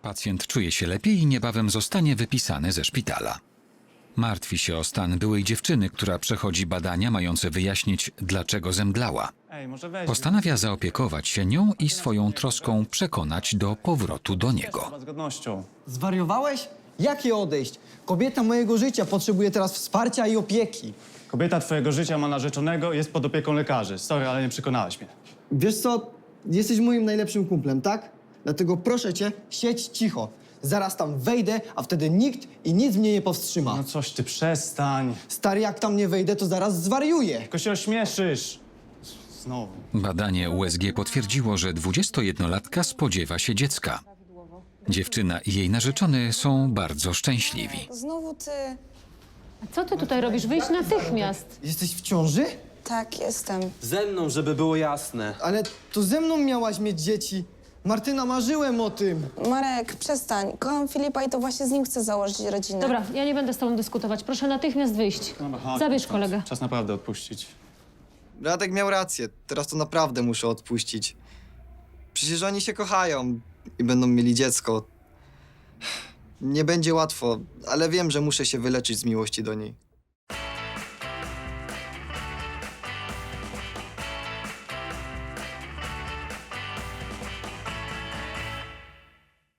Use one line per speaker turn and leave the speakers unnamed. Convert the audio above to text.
Pacjent czuje się lepiej i niebawem zostanie wypisany ze szpitala. Martwi się o stan byłej dziewczyny, która przechodzi badania mające wyjaśnić, dlaczego zemdlała.
Ej, może weź.
Postanawia zaopiekować się nią i swoją troską przekonać do powrotu do niego.
Z godnością.
Zwariowałeś? Jakie odejść? Kobieta mojego życia potrzebuje teraz wsparcia i opieki.
Kobieta twojego życia ma narzeczonego i jest pod opieką lekarzy. Sorry, ale nie przekonałeś mnie.
Wiesz co? Jesteś moim najlepszym kumplem, tak? Dlatego proszę cię, siedź cicho. Zaraz tam wejdę, a wtedy nikt i nic mnie nie powstrzyma.
No coś ty, przestań.
Stary, jak tam nie wejdę, to zaraz zwariuję.
Tylko się ośmieszysz. Znowu.
Badanie USG potwierdziło, że 21-latka spodziewa się dziecka. Dziewczyna i jej narzeczony są bardzo szczęśliwi.
Znowu ty.
Co ty tutaj robisz? Wyjdź natychmiast.
Jesteś w ciąży?
Tak, jestem.
Ze mną, żeby było jasne.
Ale to ze mną miałaś mieć dzieci. Martyna, marzyłem o tym.
Marek, przestań. Kocham Filipa i to właśnie z nim chcę założyć rodzinę.
Dobra, ja nie będę z tobą dyskutować. Proszę natychmiast wyjść.
Dobra, chodź,
Zabierz
chodź.
kolegę.
Czas naprawdę odpuścić.
Radek miał rację. Teraz to naprawdę muszę odpuścić. Przecież oni się kochają i będą mieli dziecko. Nie będzie łatwo, ale wiem, że muszę się wyleczyć z miłości do niej.